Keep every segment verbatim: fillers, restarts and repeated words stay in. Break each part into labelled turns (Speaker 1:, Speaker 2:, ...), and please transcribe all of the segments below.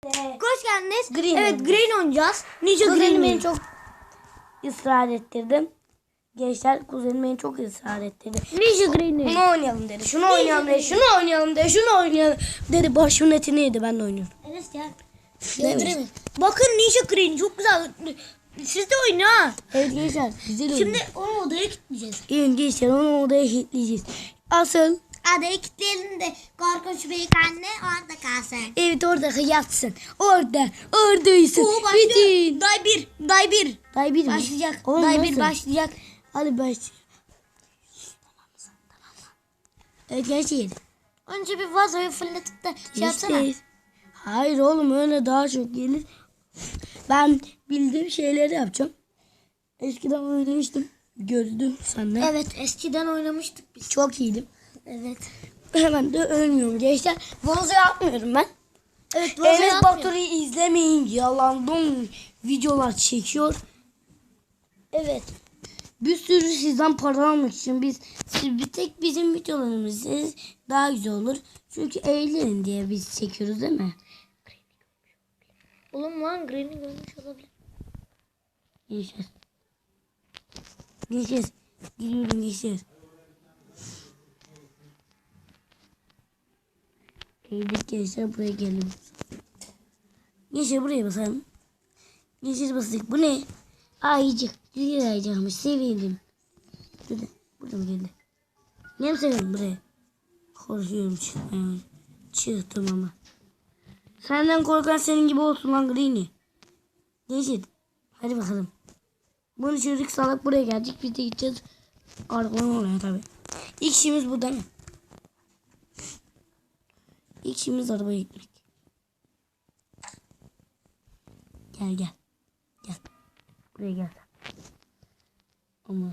Speaker 1: Hoş geldiniz.
Speaker 2: Green
Speaker 1: evet
Speaker 2: oynayacağız.
Speaker 1: Green oynayacağız. Ninja
Speaker 2: Kuzenim
Speaker 1: Green
Speaker 2: beni çok ısrar ettirdim. Gençler kuzenim beni çok ısrar ettirdi.
Speaker 1: Ninja Green'i.
Speaker 2: Bunu oynayalım dedi. Şunu oynayalım dedi. Şunu oynayalım dedi. Şunu oynayalım dedi. Başımın etini yedi. Ben de oynuyorum.
Speaker 1: Enes gel.
Speaker 2: Değil mi?
Speaker 1: Bakın Ninja Green çok güzel. Siz de oynayın ha.
Speaker 2: Evet gençler. Güzel oyun.
Speaker 1: Şimdi onu odaya kilitleyeceğiz.
Speaker 2: İyi gençler onu odaya kilitleyeceğiz. Asıl
Speaker 1: Odaya kilitleyelim de korkunç büyük anne orada kalsın.
Speaker 2: evet orada yatsın. Orada. Oradaysın.
Speaker 1: Oo başlıyor.
Speaker 2: Bitin.
Speaker 1: Day bir. Day bir.
Speaker 2: Day bir mi?
Speaker 1: Başlayacak.
Speaker 2: Oğlum,
Speaker 1: Day
Speaker 2: nasıl?
Speaker 1: bir başlayacak.
Speaker 2: Hadi başlayalım. Evet gençler.
Speaker 1: Önce bir vazoyu fırlatıp da şey yapsana.
Speaker 2: İşte- Hayır oğlum öyle daha çok gelir. Ben bildiğim şeyleri yapacağım. Eskiden oynamıştım. Gördüm senden.
Speaker 1: Evet eskiden oynamıştık biz.
Speaker 2: Çok iyiydim.
Speaker 1: Evet.
Speaker 2: Hemen de ölmüyorum gençler. Vazo yapmıyorum ben.
Speaker 1: Evet
Speaker 2: Enes
Speaker 1: yapmıyor.
Speaker 2: Batur'u izlemeyin. Yalandan videolar çekiyor. Evet. Bir sürü sizden para almak için biz siz bir tek bizim videolarımızı izleriz, daha güzel olur. Çünkü eğlenin diye biz çekiyoruz değil mi?
Speaker 1: Oğlum lan Green'i görmüş olabilir.
Speaker 2: Gençler. Gençler. Gidiyorum gençler. Eğildik gençler buraya gelin. Gençler buraya basalım. Gençler bastık. Bu ne? Ayıcık. Güzel ayıcıkmış. Sevindim. Burada. Burada mı geldi? Ne mi seviyorum buraya? Korkuyorum çıkmaya. Çıktım ama. Senden korkan senin gibi olsun lan Greeny. Gençler. Hadi bakalım. Bunu çocuk salak buraya geldik. Biz de gideceğiz. Arkadan oraya tabi. İlk işimiz bu değil mi? İlk işimiz arabaya gitmek. Gel gel. Gel. Buraya gel. Ama.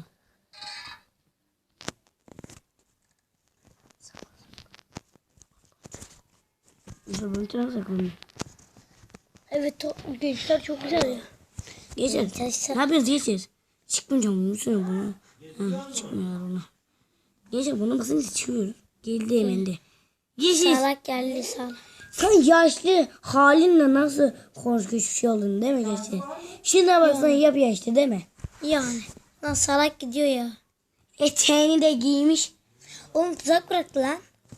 Speaker 2: Mesela ben tren saklanıyorum.
Speaker 1: Evet o gençler çok güzel ya.
Speaker 2: Geçer. Ne yapıyorsunuz geçer? Çıkmayacağım bunu söyle bunu. Ha, çıkmıyorlar ona. Geçer bunu basınca çıkıyoruz. Geldi hemen de. Geçer.
Speaker 1: Salak geldi salak.
Speaker 2: Sen yaşlı halinle nasıl korkunç bir şey oldun değil mi geçer? Şimdi baksana yap yaşlı değil mi?
Speaker 1: Yani. Lan salak gidiyor ya.
Speaker 2: Eteğini de giymiş.
Speaker 1: Oğlum tuzak bıraktı lan.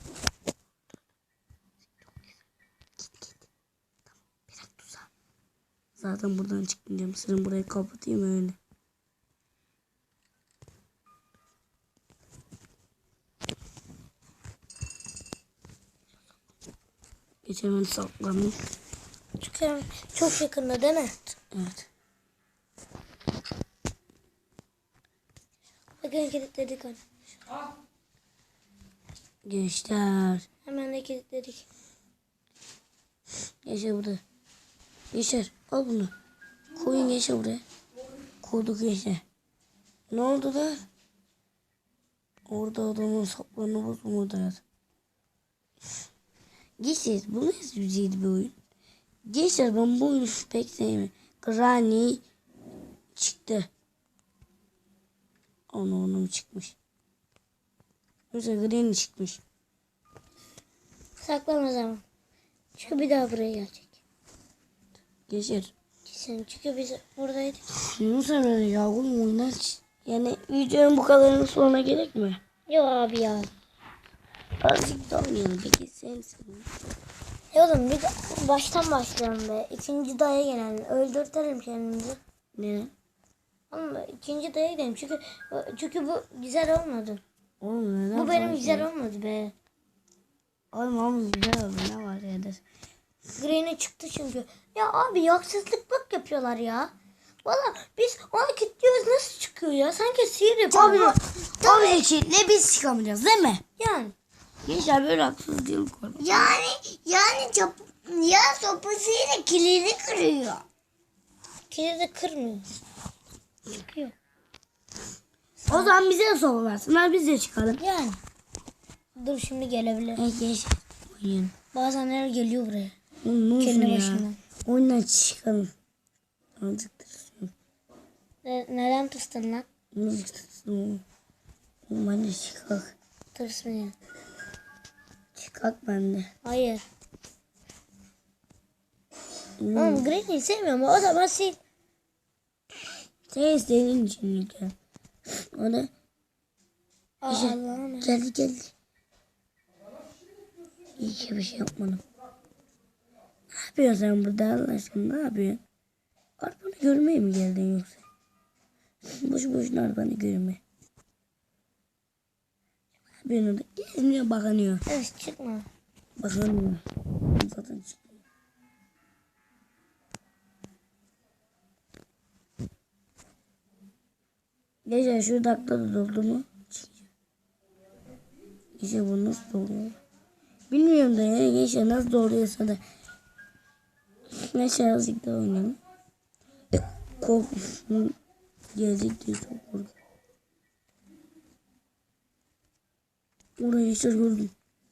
Speaker 2: Zaten buradan çıkmayacağım. Sırın burayı kapatayım öyle. Geçen ben saklandım.
Speaker 1: Çünkü çok yakında değil mi?
Speaker 2: Evet.
Speaker 1: Bakın kilitledik onu.
Speaker 2: Gençler.
Speaker 1: Hemen de kilitledik.
Speaker 2: Gençler burada. Gençler al bunu. Koyun gençler buraya. Koyduk gençler. Ne oldu da? Orada adamın saplarını bozmadılar. Gençler bu nasıl güzel bir oyun? Gençler ben bu oyunu pek sevmiyorum. Granny çıktı. Onu onu mu çıkmış? Mesela Granny çıkmış.
Speaker 1: Saklama zaman. Çünkü bir daha buraya gelecek.
Speaker 2: Gençler.
Speaker 1: Kesin çünkü biz buradaydık.
Speaker 2: Ne sefer ya oğlum oyundan ç- yani videonun bu kadarının sonuna gerek mi?
Speaker 1: Yok abi ya.
Speaker 2: Azıcık da oynayalım peki sen sen.
Speaker 1: E oğlum bir de baştan başlayalım be. İkinci daya gelelim. Öldürtelim kendimizi.
Speaker 2: Ne?
Speaker 1: Ama ikinci daya gidelim. Çünkü çünkü bu güzel olmadı.
Speaker 2: Oğlum neden?
Speaker 1: Bu benim
Speaker 2: fark
Speaker 1: güzel
Speaker 2: ediyor?
Speaker 1: olmadı be.
Speaker 2: Oğlum oğlum güzel oldu ne var ya da.
Speaker 1: Green'e çıktı çünkü. Ya abi haksızlık bak yapıyorlar ya. Valla biz ona kilitliyoruz nasıl çıkıyor ya? Sanki sihir yapıyor.
Speaker 2: Tabii. Tabii için ne biz çıkamayacağız değil mi?
Speaker 1: Yani.
Speaker 2: Gençler böyle haksız değil konu.
Speaker 1: Yani yani çap, ya sopasıyla kilidi kırıyor. Kilidi kırmıyor. Çıkıyor.
Speaker 2: O zaman bize de soru versinler biz de çıkalım.
Speaker 1: Yani. Dur şimdi gelebilir.
Speaker 2: Evet gençler. Oynayalım.
Speaker 1: Bazenler geliyor buraya.
Speaker 2: Oğlum ne olsun
Speaker 1: Kendi
Speaker 2: ya.
Speaker 1: başına.
Speaker 2: Oyundan çıkalım. Azıcık tırsın.
Speaker 1: Ne, neden tırstın lan?
Speaker 2: Azıcık tırsın oğlum. Oğlum hadi çıkak.
Speaker 1: Tırsmıyor.
Speaker 2: Çıkak bende.
Speaker 1: Hayır.
Speaker 2: Hmm.
Speaker 1: Oğlum Granny'yi sevmiyorum. O zaman sil.
Speaker 2: Sen istediğin için Nilüfer. O da
Speaker 1: Aa,
Speaker 2: İşte
Speaker 1: Allah'ım.
Speaker 2: geldi geldi. İyi ki bir şey yapmadım. Ne yapıyorsun sen burada Allah aşkına, ne yapıyorsun? Arabanı görmeye mi geldin yoksa? Boşu boşuna arabanı görme. Ne yapıyorsun orada? Gezmiyor, bakınıyor.
Speaker 1: Evet çıkma.
Speaker 2: Bakınıyor. Zaten çıkıyor. Gece şu dakika da doldu mu? Çıkıyor. Gece bu nasıl doluyor? Bilmiyorum da ya. Gece nasıl doluyorsa da. Neyse azıcık daha oynayalım. Korkmuşum. Gelecek diye çok korktum. Orayı işte gördüm.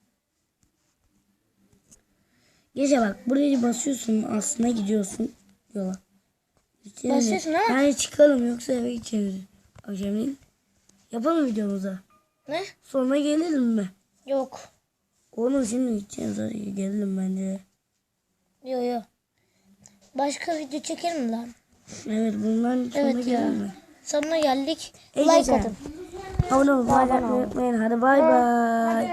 Speaker 2: Gece bak, buraya basıyorsun, aslında gidiyorsun yola. Yani,
Speaker 1: Basıyorsun ama.
Speaker 2: yani çıkalım yoksa eve geçeriz. Akşamleyin yapalım videomuza.
Speaker 1: Ne?
Speaker 2: Sonra gelelim mi?
Speaker 1: Yok.
Speaker 2: Oğlum şimdi gideceğiz, hadi gelelim bence.
Speaker 1: Yok yok. Başka video çekelim mi lan?
Speaker 2: Evet, bundan sonra
Speaker 1: Evet ya.
Speaker 2: gelelim mi?
Speaker 1: Sonuna geldik.
Speaker 2: İyi
Speaker 1: Like
Speaker 2: geceler.
Speaker 1: atın.
Speaker 2: Abone olmayı
Speaker 1: Abone olun.
Speaker 2: unutmayın. Hadi bay bay.